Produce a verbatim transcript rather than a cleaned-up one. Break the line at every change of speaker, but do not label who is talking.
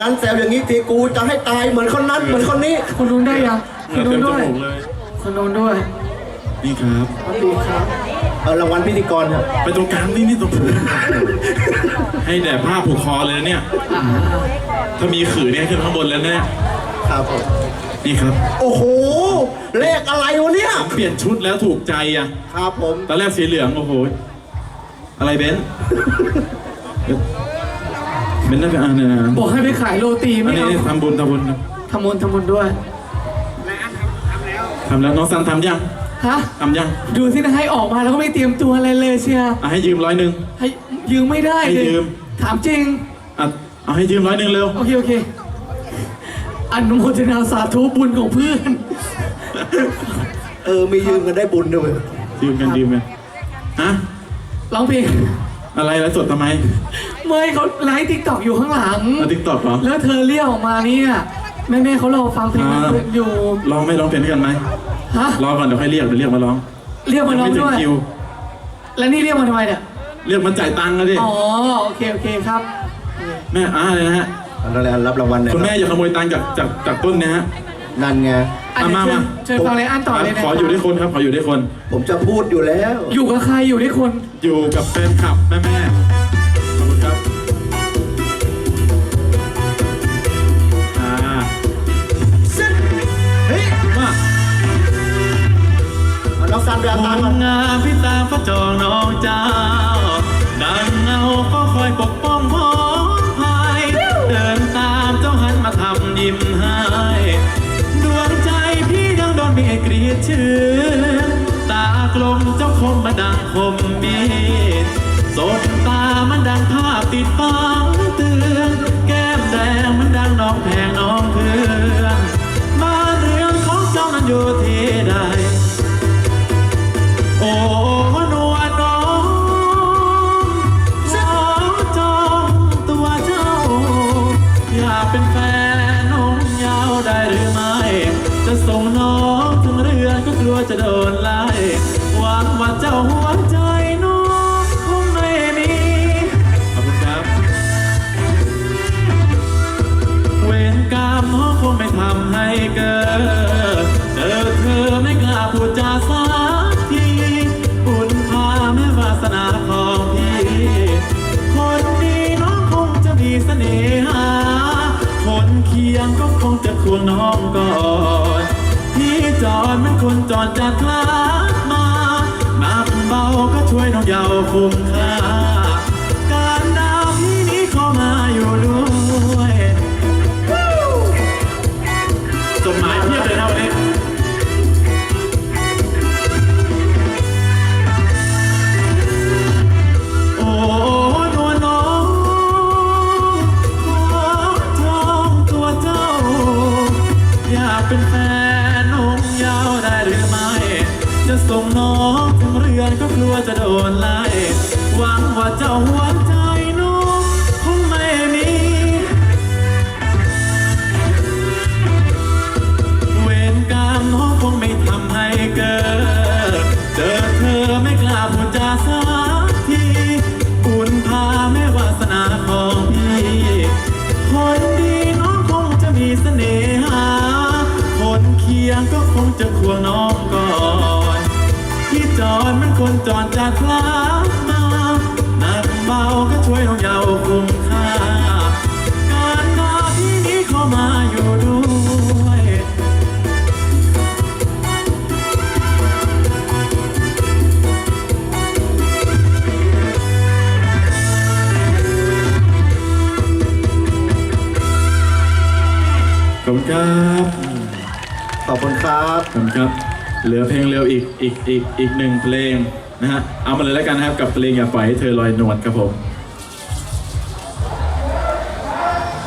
นั้นแซวอย่างนี้ทีกูจะให้ตายเหมือนคนนั้นเหมือนคนนี้
คนนู้นได้ยังคนนู้นด้วยคนนู้นด้วย
นี่ครับ
สวัสดีครับ
เออรางวัลพิธีกรครับ
ไปตรงกลางนี่นี่ตรงผมให้แด่ผ้าผูกคอเลยนะเนี่ยถ้ามีขือเนี่ยขึ้นข้างบนแล้วเนี่ย
ครับผม
นี่ครับ
โอ้โหเลขอะไรวะเนี่ย
เปลี่ยนชุดแล้วถูกใจอ่ะ
ครับผม
ตอนแรกสีเหลืองโอ้โหอะไรเบนซ์เบนซ์น่าจะอ่านเนี่ยนะ
บอกให้ไปขายโรตี
อั
ไม่
นนี้
เอา
ทำบุญทำบุญ
ทำบุญทำบุญด้วย
ทำแล้วน้องซันทำยัง
ฮะ
ทำยัง
ดูสินะให้ออกมาแล้วก็ไม่เตรียมตัวอะไรเลยเชียร์
อ่ะให้ยืมร้อยหนึ่ง
ให้ยืมไม่ได้
ให้
เลย
ยืม
ถามจริง
อ่ะเอาให้ยืมร้อยหนึ่งเร็ว
โอเคโอเคอนุโมทนาสาธุบุญของเพื่อน
เออมียืมกันได้บุญด้วย
ยืมกันยืมกันฮะ
ร้องเพลง
อะไรแล้วสดทำไม
เมื่อเขาไลฟ์ติ๊กต็อกอยู่ข้างหลัง
มาติ๊กต็อกเหรอ
แล้วเธอเรียกออกมาเนี่ยแม่แม่ๆเขารอฟังเพลงนั้นอยู่
ร้องไม่ร้องเพลงด้วยกันไหม
ฮะ
ร้องก่อนเดี๋ยวค่อยเรียกเดี๋ยวเรียกมาร้อง
เรียกมาร้อง
ไม่ถึ
ด้
ง
วย
คิว
แล้วนี่เรียกมาทำไมเนี่ย
เรียกมาจ่ายตังค์นะดิ
อ๋อโอเคโอเคครับ
แม่อ่าเลยนะฮะ
อะไรรับรางวัลเนี่ย
คุณแม่อย่าขโมยตังค์จากจากจากต้นนะฮะ
นั่นไง
อ่ะ
มา
เดี๋ยว
มา
เชิญเชิญฟังเลยอ่านต่อเลยนะ
ขออยู่ด้วยคนครับขออยู่ด้วยคน
ผมจะพูดอยู่แล้ว
อยู่กับใครอยู่ด้วยคน
อยู่กับแฟนคลับแม่แม่ขอบคุณครับอ่า
เฮ้ย
มา
เอาน้องซันไปเอาตังค์
ค
ก่อน
นงามพี่ตามพระจองน้องเจ้าดังเงาก็คอยปกป้องพ้องภายเดินตามเจ้าหันมาทำยิ้มให้ดวงใจพี่ยังโดนเมียกรีดชื่อตากลมเจ้าคมมาดังคมมีดสบตามันดังภาพติดฟังเตือนแก้มแดงมันดังน้องแพงน้องเพื่อนบ้านเรือนของเจ้านั้นอยู่ที่ใดโอ้นวลน้องขอจองตัวเจ้าอยากเป็นแฟนน้องยาวได้หรือไม่จะส่งน้องถึงเรือนก็กลัวจะโดนไล่หวังว่าเจ้าหัวใจน้องคงไม่มีขอบคุณครับเวรกรรมน้องคงไม่ทำให้เกิดเจอเธอไม่กล้าพูดจาสักทีบุญพาแม่วาสนาของพี่คนดีน้องคงจะมีเสน่หาคนเคียงก็คงจะควงน้องก่อนพี่จอดมันคนจอดจากลามานับเบาก็ช่วยน้องเยาว์คุ้มค่าการดาวพี่นี้เข้ามาอยู่ด้วยจดหมายเพียบเลยนะวันนี้โอ้นวลน้องขอจองตัวเจ้าอยากเป็นแฟนน้องยาวได้หรือไม่จะส่งน้องถึงเรือนก็กลัวจะโดนไล่หวังว่าเจ้าหัวใจน้องคงไม่มีเวรกรรมน้องคงไม่ทำให้เกิดเจอเธอไม่กล้าพูดจาสักทีบุญพาแม่วาสนาของพี่คนดีน้องคงจะมีเสน่หาคนเคียงก็คงจะควงน้องก่อนที่จอดมันคนจอดจากลามาหนักเบาก็ช่วยน้องเยาว์คุ้มค่าการงานที่นี้เข้ามาอยู่ด้วยขอบคุณครับ
ขอบคุณครับ
ขอบคุณครับ เหลือเพลงเร็วอีกอีกอีกอีกหนึ่งเพลงนะฮะ เอามาเลยแล้วกันนะครับกับเพลงอย่าปล่อยให้เธอลอยนวลครับผม